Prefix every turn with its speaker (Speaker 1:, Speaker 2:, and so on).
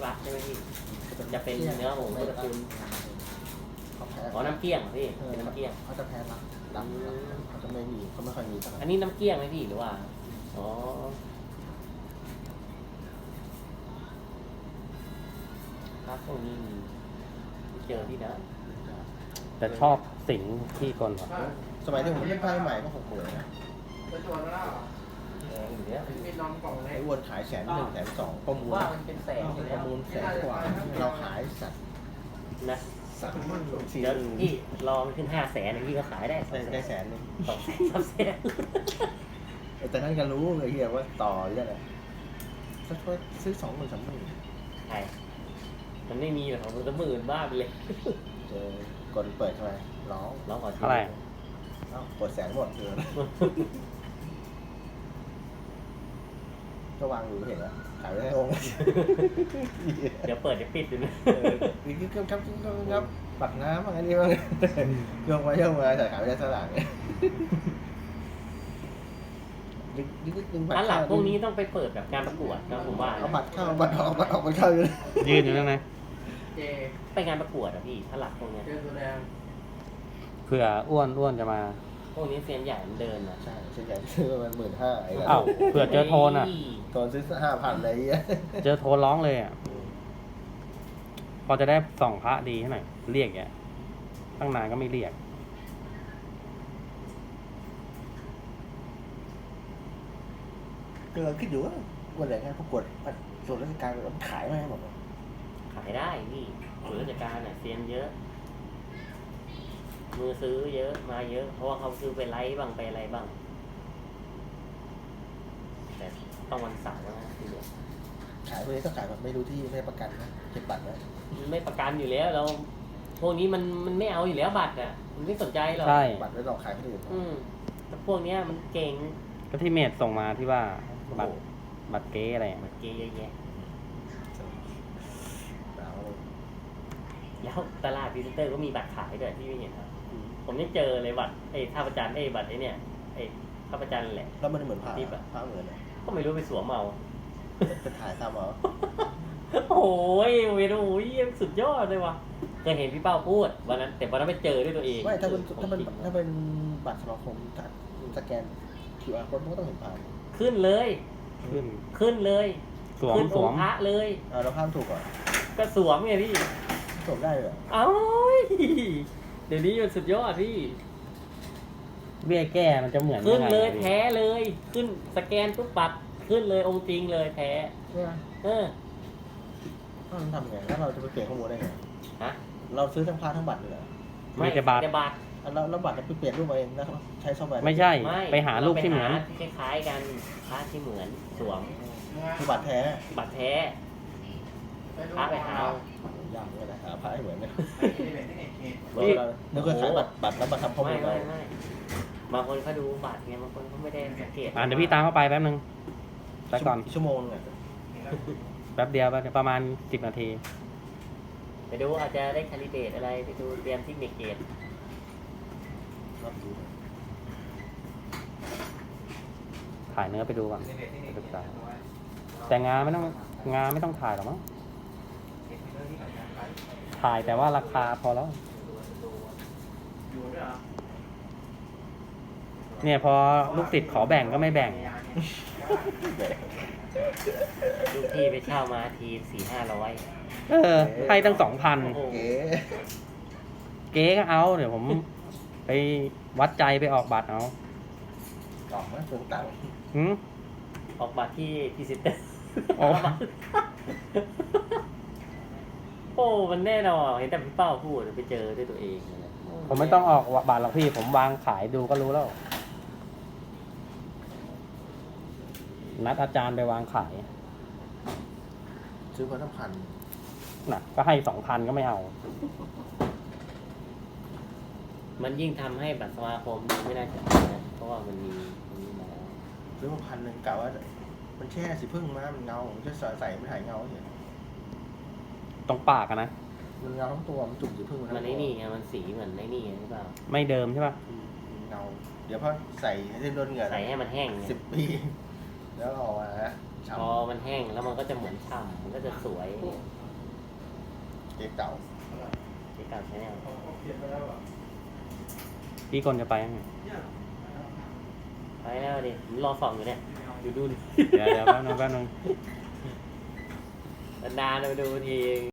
Speaker 1: รักใช่ไหมพี่จะเป็นเนื้อหมูตระกูล
Speaker 2: เขาแพ้
Speaker 1: อ๋อน้ำเกี้ยงพี่เป็นน้ำเกี้ยง
Speaker 2: เขาจะแพ้รักดำเขาจะไม่มีเขาไม่ค่อยมีเท่าไหร่
Speaker 1: อันนี้น้ำเกี้ยงไหมพี่หรือว่าอ๋อครับพวกนี้มีเจอที่ไหน
Speaker 3: แต่ชอบสิงที่กลว่ะ
Speaker 2: สมัยที่ผมเล่นไพ่ใหม่ก็60,000นะ
Speaker 4: จะชวนแล้ว
Speaker 1: แพงอยู่แล้ว
Speaker 4: มีนอนกล่องเล็
Speaker 2: ไอ้
Speaker 4: ก
Speaker 2: อ้วนขาย100,000 120,000ประมูล
Speaker 1: ว่ามันเป็นแสนอยู่
Speaker 2: ป
Speaker 1: แล้ว
Speaker 2: ระมูล100,000กว่าเราขายสัตว์
Speaker 1: นะ
Speaker 2: สี่
Speaker 1: เดี๋ยวพี่รอมันขึ้น500,000พี่ก็ขายได้
Speaker 2: ได้100,000
Speaker 1: 200,000
Speaker 2: แต่ท่านก็รู้ไอ้เหี้ยว่าต่อเยอะเลยถ้าช่วยซื้อ20,000 30,000
Speaker 1: ใช่มันไม่มีหรอกของมันจะหมื่นบ้าไปเลย
Speaker 2: เจอกดเปิดเข้าไปร้อง
Speaker 1: ร้องขอ
Speaker 3: เท่าไหร่
Speaker 2: เอ้ากด100,000หมดเลยก็วางอยู่เห็นแล้วขายไม่ได้องค์
Speaker 1: เดี๋ยวเปิดเดี๋ยวปิดดูนะ
Speaker 2: นี่ครับปักน้ำอะไรนี่บ้างโยงมาแต่ขายไม่ได้สลากเลยดึงบัต
Speaker 1: อัน
Speaker 2: ร
Speaker 1: หลังพวกนี้ต้องไปเปิดแบบการประกวดนะผมว่า
Speaker 2: เอาบัตรเข้าบัตรออกบัตรออกบัตรเข้าอยู่
Speaker 3: ยืนอยู่นั่นไง
Speaker 4: เจ
Speaker 1: ไปงานประกวดอะพี่ถ้าหลักพวกเนี้ย
Speaker 4: เจอตัวแดง
Speaker 3: เผื่ออ้วนจะมา
Speaker 1: พวกนี้เซียนใหญ่มันเดินอะ
Speaker 2: ใช่ส่วนใหญ่ซื้อประมาณ15,000ไอ้
Speaker 3: อ้าวเผื่อเจอโทนอ่ะ
Speaker 2: ตอนซื้อ5,000อะไรเงี้ย
Speaker 3: เจอโทนร้องเลยอ่ะ พอจะได้ส่องพระดีให้หน่อยเรียกแกตั้งนานก็ไม่เรียก
Speaker 2: ก็คิดอยู่ว่าวันไหนงานประกวดส่วนราชการมันขายไหมบอก
Speaker 1: ขายได้พี่ส่วนราชการอะเซียนเยอะ มือซื้อเยอะมาเยอะ เพราะว่าเขาซื้อไปไลฟ์บ้างไปอะไรบ้าง แต่ต้องวันเสาร์นะทีเดียว
Speaker 2: ขายพวกนี้ก็ขายแบบไม่รู้ที่ไม่ประกันนะเก็บบัตรนะ
Speaker 1: มันไม่ประกันอยู่แล้วเราพวกนี้มันไม่เอาอยู่แล้วบัตรอ่ะมันไม่สนใจหรอก
Speaker 3: ใช่
Speaker 2: บัตรไว้หลอกขายคนอื่น
Speaker 1: แต่พวกเนี้ยมันเก่ง
Speaker 3: ก็ที่เมดส่งมาที่ว่าบัตรบัตรเก๊อะไรอ่ะ
Speaker 1: มันเก่งเยอะแยะ
Speaker 2: หนาวเลย
Speaker 1: แล้วตลาดพรีเซนเตอร์ก็มีบัตรขายด้วยที่ไม่เห็นครับผมยังเจอเลยบัตรท่าประจันบัตรเนี่ยท่าประจันแหละ
Speaker 2: แล้วมันเหมือนผ้า
Speaker 1: ทิปอะ
Speaker 2: ผ้าเหมือนเลย
Speaker 1: ก็ไม่รู้ไปสวมเอา
Speaker 2: จะถ่ายซ้ำเอา
Speaker 1: โอ้ยเวโอ้ยสุดยอดเลยว่ะเคยเห็นพี่เป้าพูดวันนั้นแต่วันนั้นไปเจอด้วยตัวเอง
Speaker 2: ไม่ถ้าเป็น
Speaker 1: ของ
Speaker 2: ถ้าเป็น
Speaker 1: จริง
Speaker 2: ถ้าเป็นบัตรสมาคมสแกน QR โค้ดมันก็ต้องเห็นผ่าน
Speaker 1: ขึ้นเลย
Speaker 3: ขึ้น
Speaker 1: เลย
Speaker 3: สวม
Speaker 1: ขึ้น
Speaker 3: ส
Speaker 1: อ
Speaker 3: ว
Speaker 1: ง
Speaker 3: ม
Speaker 1: ค์พระเลย
Speaker 2: เราข้ามถูกก่อน
Speaker 1: ก็สวมไงพี่
Speaker 2: สวมได้เลย
Speaker 1: เอ้ยเดี๋ยวนี้มันสุดยอดพี่
Speaker 3: เบี้ยแก้มันจะเหมือน
Speaker 1: ขึ้น
Speaker 3: งไง
Speaker 1: เลย
Speaker 3: อะพี่
Speaker 1: แท้เลยขึ้นสแกนปุ๊บปัดขึ้นเลยองค์จริงเลยแท้
Speaker 2: เนี่ย
Speaker 1: เออ
Speaker 2: มันทำไงแล้วเราจะไปเปลี่ยนข้อมูลได้ไง
Speaker 1: ฮะ
Speaker 2: เราซื้อทั้งพาทั้งบัตรเลยเหรอ
Speaker 3: มีแต่บัตร
Speaker 1: บัตร
Speaker 2: แล้วบัตรเราไปเปลี่ยนรูปมาเองแล้วใช้ซอฟต์แวร์
Speaker 3: ไม่ใช่
Speaker 1: ไม่
Speaker 3: ไปหารูปที่เหมือน
Speaker 1: ราไปาที่คล้ายๆกันพระที่เหมือนสวม
Speaker 2: คือบัตรแท้
Speaker 1: บัตรแท้
Speaker 4: ไปดู
Speaker 1: พระไปหาเอา
Speaker 2: ยากเลยนะหาพระให้เหมือนเนี่ย
Speaker 1: นี่
Speaker 2: นึกว่าขายบัตรแล้วมาทำข้อมู
Speaker 1: ไม่
Speaker 2: ล
Speaker 1: ไม่
Speaker 2: เรา
Speaker 1: ไม่บางคนเขาดูบัตรไงบางคนเขาไม่ได้สังเกต
Speaker 3: เดี๋ยวพี่ตามเข้าไปแป๊บนึงไปก่อน
Speaker 2: ชั่วโมงเนี่ย
Speaker 3: แป๊บเดียวประมาณ10 นาที
Speaker 1: ไปดูอาจจะได้คาลิเดตอะไรไปดูเตรียมเทคนิคเกต
Speaker 2: รับดู
Speaker 3: ถ่ายเนื้อไปดูก่อนศึกษาแต่งานไม่ต้องถ่ายหรอกมั้งถ่ายแต่ว่าราคาพอแล้ว
Speaker 4: อยู่ด้วยเหรอ
Speaker 3: เนี่ยพอลูกศิษย์ขอแบ่งก็ไม่แบ่ง
Speaker 1: ลูกพี่ไปเช่ามาที400-500
Speaker 3: ให้ตั้ง
Speaker 1: โอ้โห
Speaker 2: เก๋
Speaker 3: 2,000 เก๊ก็เอาเดี๋ยวผมไปวัดใจไปออกบัตรเอา
Speaker 2: กล่องนะตัวตังค์
Speaker 3: หืม
Speaker 1: ออกบัตรที่พรีเซนเตอร์
Speaker 3: อ๋อ
Speaker 1: โอ้มันแน่นอนเห็นแต่พี่เป้าพูดไปเจอด้วยตัวเองเลย
Speaker 3: ผมไม่ต้องออกบัตรหรอกพี่ผมวางขายดูก็รู้แล้ว นัดอาจารย์ไปวางขาย
Speaker 2: ซื้อมาทั้งพัน
Speaker 3: น่ะ ก็ให้ 2,000 ก็ไม่เอา
Speaker 1: มันยิ่งทำให้บัตรสมาคมไม่น่าจะนะเพราะว่ามันมีมาแล้ว
Speaker 2: ซื้อมา1,000กะว่ามันแช่สีพึ่งมามันเงาจะใส่ไม่ถ่ายเงาเห็น
Speaker 3: ตรงปากอะนะ
Speaker 2: มันเงาทั้งตัวมันจุ่มสีพึ่ง
Speaker 1: มันไอ้นี่ไงมันสีเหมือนไอ้นี่หรือเปล่า
Speaker 3: ไม่เดิมใช่ป่ะ
Speaker 2: เงาเดี๋ยวพอใส่ให้โดนเหงื่อ
Speaker 1: ใส่ให้มันแห้งไง
Speaker 2: 10 ปี แล้วออกมา
Speaker 1: พอมันแห้งแล้วมันก็จะเหมือนฉ่ำมันก็จะสวย
Speaker 2: เก๊กเก่า
Speaker 1: ที่การใช้แนว
Speaker 3: พี่กลจะไปยังไง
Speaker 1: ไปแล้วดิผมรอส่องอยู่เนี่ยดูดิ
Speaker 3: เดี๋ยวแป๊บนึง
Speaker 1: นานๆไปดูที